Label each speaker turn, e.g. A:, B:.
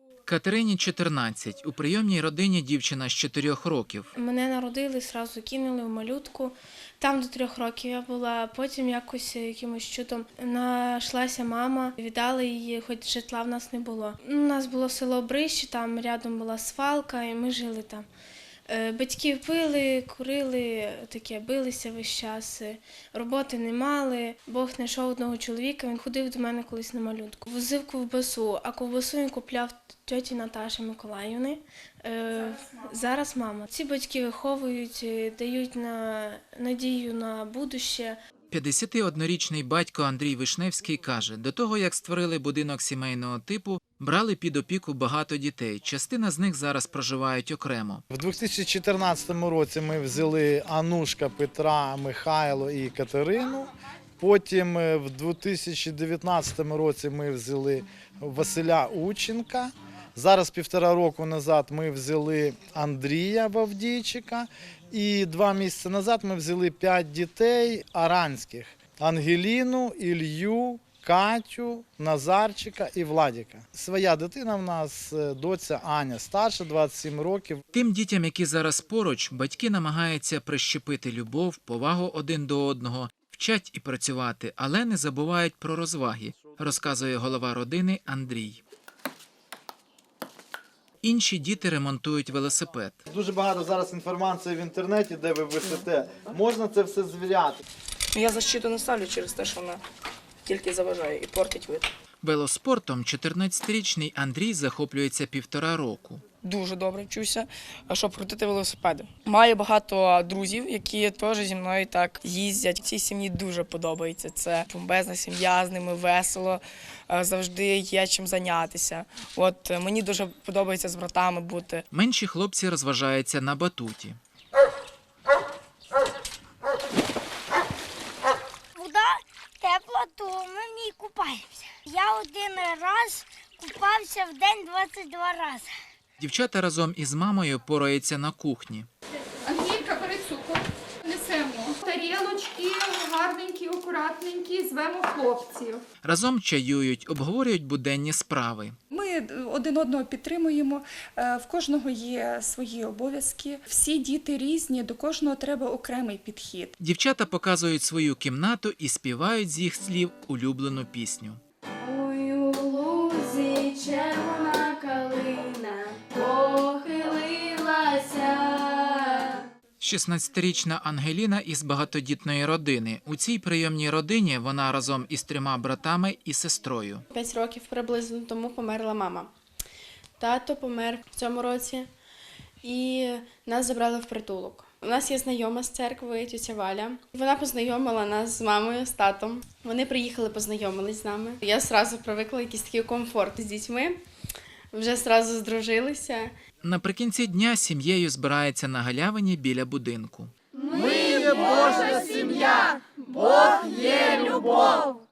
A: Катерині 14. У прийомній родині дівчина з 4 років.
B: Мене народили, одразу кинули в малютку. Там до 3 років я була, потім якимось чудом знайшлася мама, віддали її, хоч житла в нас не було. У нас було село Брище, там рядом була свалка, і ми жили там. Батьки пили, курили, таке, билися весь час, роботи не мали. Бог знайшов одного чоловіка, він ходив до мене колись на малютку. Возив ковбасу, а ковбасу він купляв тьоті Наташі Миколаївни. Зараз мама. Ці батьки виховують, дають надію на будуще.
A: 51-річний батько Андрій Вишневський каже, до того, як створили будинок сімейного типу, брали під опіку багато дітей. Частина з них зараз проживають окремо.
C: В 2014 році ми взяли Анушка, Петра, Михайло і Катерину. Потім в 2019 році ми взяли Василя Ученка. Зараз 1,5 року назад ми взяли Андрія Вавдійчика. І 2 місяці назад ми взяли 5 дітей аранських. Ангеліну, Ілью, Катю, Назарчика і Владіка. Своя дитина в нас, доця Аня, старша, 27 років.
A: Тим дітям, які зараз поруч, батьки намагаються прищепити любов, повагу один до одного, вчать і працювати, але не забувають про розваги, розказує голова родини Андрій. Інші діти ремонтують велосипед.
C: Дуже багато зараз інформації в інтернеті, де ви висите. Можна це все звіряти.
D: Я защиту не ставлю через те, що вона тільки заважає і портить вид.
A: Велоспортом 14-річний Андрій захоплюється 1,5 року.
D: Дуже добре вчуся, щоб крутити велосипеди. Маю багато друзів, які теж зі мною так їздять. Цій сім'ї дуже подобається. Це бомбезна сім'я, з ними весело, завжди є чим зайнятися. От мені дуже подобається з братами бути.
A: Менші хлопці розважаються на батуті.
E: Вода тепла, то ми в ній купаємося. Я один раз купався в день 22 рази.
A: Дівчата разом із мамою пораються на кухні.
F: Ангелька, бери цукор, несемо. Тарілочки гарненькі, акуратненькі, звемо хлопців.
A: Разом чаюють, обговорюють буденні справи.
G: Ми один одного підтримуємо, в кожного є свої обов'язки. Всі діти різні, до кожного треба окремий підхід.
A: Дівчата показують свою кімнату і співають з їх слів улюблену пісню.
B: Ой, у лузі червона калина похилилася.
A: 16-річна Ангеліна із багатодітної родини. У цій прийомній родині вона разом із 3 братами і сестрою.
B: 5 років приблизно тому померла мама. Тато помер в цьому році і нас забрали в притулок. У нас є знайома з церкви, тітя Валя. Вона познайомила нас з мамою, з татом. Вони приїхали, познайомились з нами. Я одразу привикла якийсь такий комфорт з дітьми. Вже одразу здружилися.
A: Наприкінці дня сім'єю збирається на галявині біля будинку.
C: Ми є Божа сім'я, Бог є любов.